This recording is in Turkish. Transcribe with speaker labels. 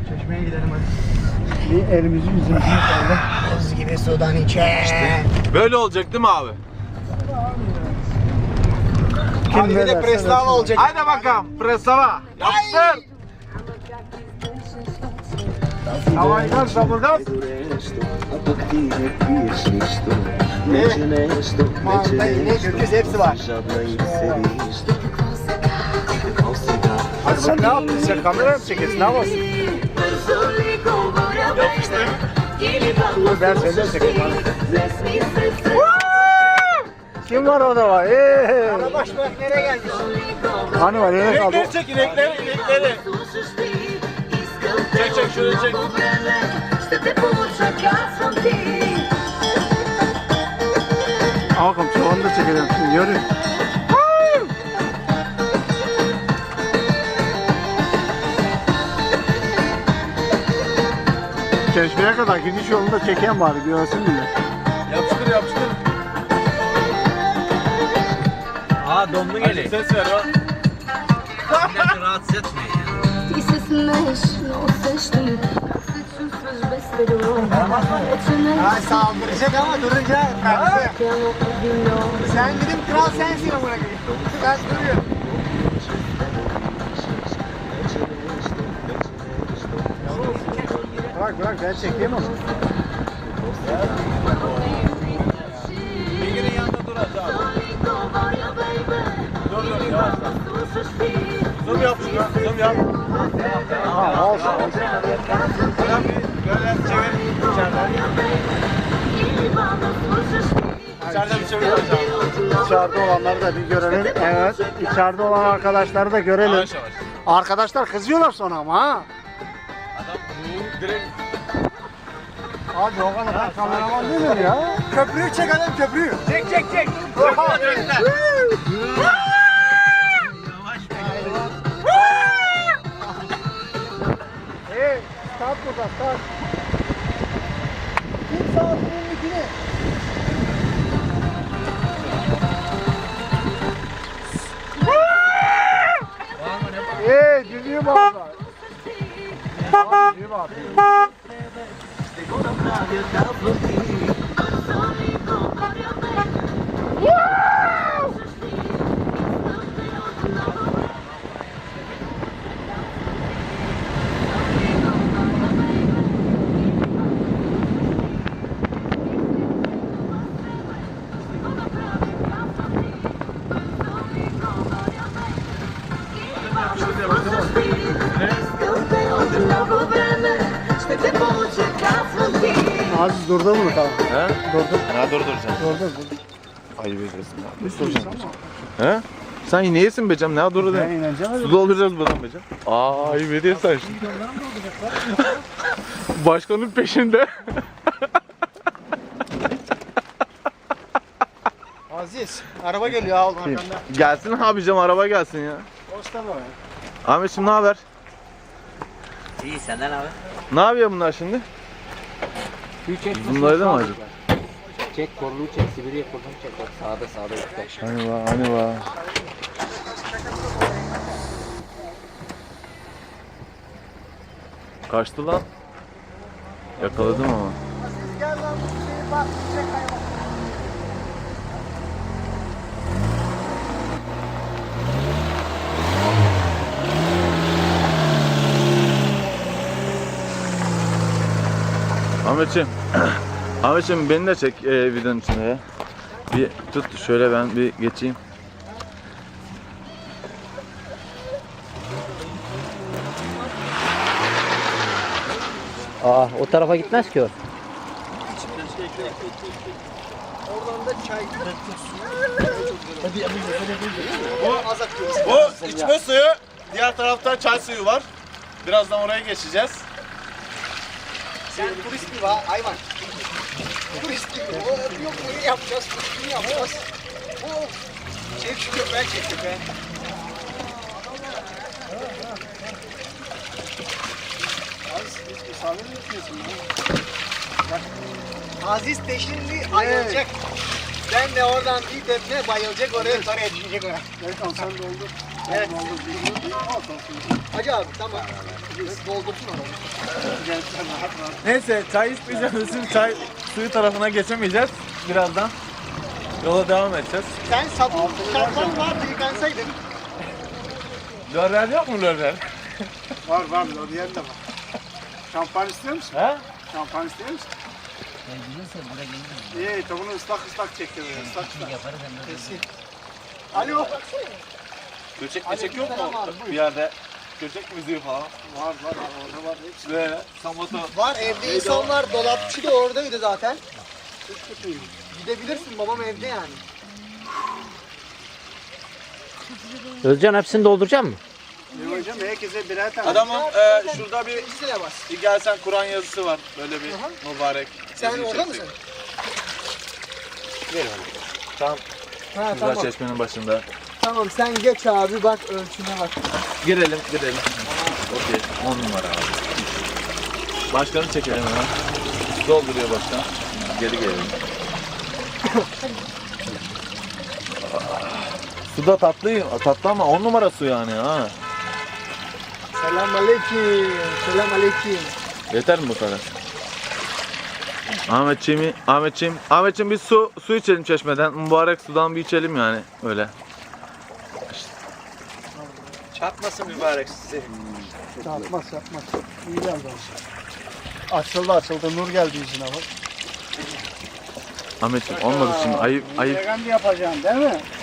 Speaker 1: Çeşmeye gidelim hadi.
Speaker 2: Bir elimizi yüzümüzü yıkayalım.
Speaker 1: Buz gibi sudan içe.
Speaker 3: Böyle olacak değil mi abi?
Speaker 1: Abi bir de preslava olacak.
Speaker 3: Hadi bakalım preslava. Yapıştır.
Speaker 2: Havayı gaz, sabır gaz.
Speaker 1: Manta, inek, öküz hepsi var.
Speaker 2: Hadi sen ne yaptın? Sen kamera mı çekiyorsun? Ne yapıyorsun? Dur ben seni de çekeyim. Kim var orada var?
Speaker 1: Baş bak nereye gelmiş?
Speaker 2: Hani var? Nereye kaldı?
Speaker 3: İnekleri çek inekleri. Çek şöyle çek.
Speaker 2: Al bakalım çoğunu da çekelim. Şimdi yürü. Çeşmeye kadar gidiş yolunda çeken bari görsün bile.
Speaker 3: Yapıştır.
Speaker 4: Aa dondu geliyor.
Speaker 3: Ses ver o.
Speaker 4: Milleti rahatsız etmeyin ya.
Speaker 5: Ти се смееш, но усещам как се чувстваш без перелом. Вече не
Speaker 1: Ha saldıracak ama durunca kalktı.
Speaker 5: тяло обвинено.
Speaker 1: Sen dedim kral sensin amına koyayım. Ben duruyorum.
Speaker 2: Bırak ben çekeyim onu.
Speaker 3: Bilginin yanında dur hadi abi. Dur yavaş. Zoom yap şunu. Zoom yap.
Speaker 2: Ha olsun.
Speaker 3: Sen bir böyle çevir. İçeriden bir çevir hocam.
Speaker 2: İçeride olanları da bir görelim. Evet. İçeride olan arkadaşları da görelim.
Speaker 3: Yavaş yavaş.
Speaker 2: Arkadaşlar kızıyorlar sonra ama ha.
Speaker 3: Adam bu direkt
Speaker 2: Hadi o kadar kameraman değil mi ya?
Speaker 1: Köprüyü çek adam köprüyü. Çek.
Speaker 2: Hey, start burada, start.
Speaker 1: Kim sağ önündekini?
Speaker 2: Hey, düdüğü bağırma. Düdüğü bağırma. Aziz durdur bunu tamam.
Speaker 3: He?
Speaker 2: Durdur.
Speaker 3: Ne durduracaksın?
Speaker 2: Durdur.
Speaker 3: Ayıp ediyorsun. Ne durduracaksın? He? Sen yine yesin becem. Ne durdur
Speaker 2: Ben
Speaker 3: de?
Speaker 2: ineceğim.
Speaker 3: Su dolduracağız buradan becem. Aa ayıp ediyorsun şimdi. Başkanın peşinde.
Speaker 1: Aziz, araba geliyor al arkanda.
Speaker 3: Gelsin abicim araba gelsin ya.
Speaker 2: Posta mı?
Speaker 3: Ahmetciğim ne haber?
Speaker 4: İyi senden abi.
Speaker 3: Ne yapıyor bunlar şimdi? Bunları da mı acaba?
Speaker 4: Çek kolunu çek Sibirya kolunu çek. Bak sağda yukarı.
Speaker 3: Hani var. Kaçtı lan. Yakaladım ama.
Speaker 1: Aziz gel lan bu şeyi bak. Çek hayvan.
Speaker 3: Ahmetciğim beni de çek videonun içinde ya. Bir tut şöyle ben bir geçeyim.
Speaker 4: Aa o tarafa gitmez ki o.
Speaker 1: Oradan da çay.
Speaker 3: Bu içme suyu, diğer tarafta çay suyu var. Birazdan oraya geçeceğiz.
Speaker 1: Sen turist gibi ha hayvan. Turist gibi. Yok bunu yapacağız, bunu yapacağız. Çek şu köpeği çek köpeği. Aziz peşinde ayılacak. Ben de oradan bir tepne bayılacak oraya para etmeyecek ona.
Speaker 2: Evet, sen doldur.
Speaker 1: Evet. Hacı abi tamam. Doldursun onu.
Speaker 3: Neyse çay içmeyeceğimiz için çay suyu tarafına geçemeyeceğiz. Birazdan yola devam edeceğiz.
Speaker 1: Sen sabun şampuan vardı yıkansaydın.
Speaker 3: Lörler yok mu lörler?
Speaker 2: Var var, L'Oreal de var. Şampuan istiyor musun?
Speaker 3: He?
Speaker 2: Şampuan istiyor musun? İyi, tavuğunu ıslak çekiyor. Islak.
Speaker 1: Alo.
Speaker 3: Göçek meçek yok mu bir yerde? Göçek müziği falan.
Speaker 2: Var orada var. Hepsi.
Speaker 3: Ve samoto.
Speaker 1: Var evde insan var. Dolapçı da oradaydı zaten. Gidebilirsin babam evde yani.
Speaker 4: Özcan hepsini dolduracak mı?
Speaker 2: İyi hocam, herkese birer tane.
Speaker 3: Adamın şurada bir
Speaker 1: İkisine bas.
Speaker 3: gelsen Kur'an yazısı var. Böyle bir mübarek.
Speaker 1: Sen
Speaker 3: yazıyı
Speaker 1: orada
Speaker 3: çektik.
Speaker 1: mısın?
Speaker 3: Tam
Speaker 1: Ha
Speaker 3: güzel
Speaker 1: tamam.
Speaker 3: çeşmenin başında.
Speaker 1: Tamam sen geç abi bak ölçüne bak.
Speaker 3: Girelim. Okey. 10 numara abi. Başkanı çekelim hemen. Dolduruyor başkan. Geri gelelim. Su da tatlı ama 10 numara su yani ha.
Speaker 1: Selamünaleyküm. Selamünaleyküm.
Speaker 3: Yeter mi bu kadar? Ahmetciğim biz su içelim çeşmeden. Mübarek sudan bir içelim yani öyle.
Speaker 2: Çatmasın mübarek sizi.
Speaker 1: Yapmaz. İyi geldi.
Speaker 2: Açıldı. Nur geldi yüzüne bak.
Speaker 3: Ahmetciğim olmadı şimdi ayıp.
Speaker 2: Vegan yapacaksın değil mi?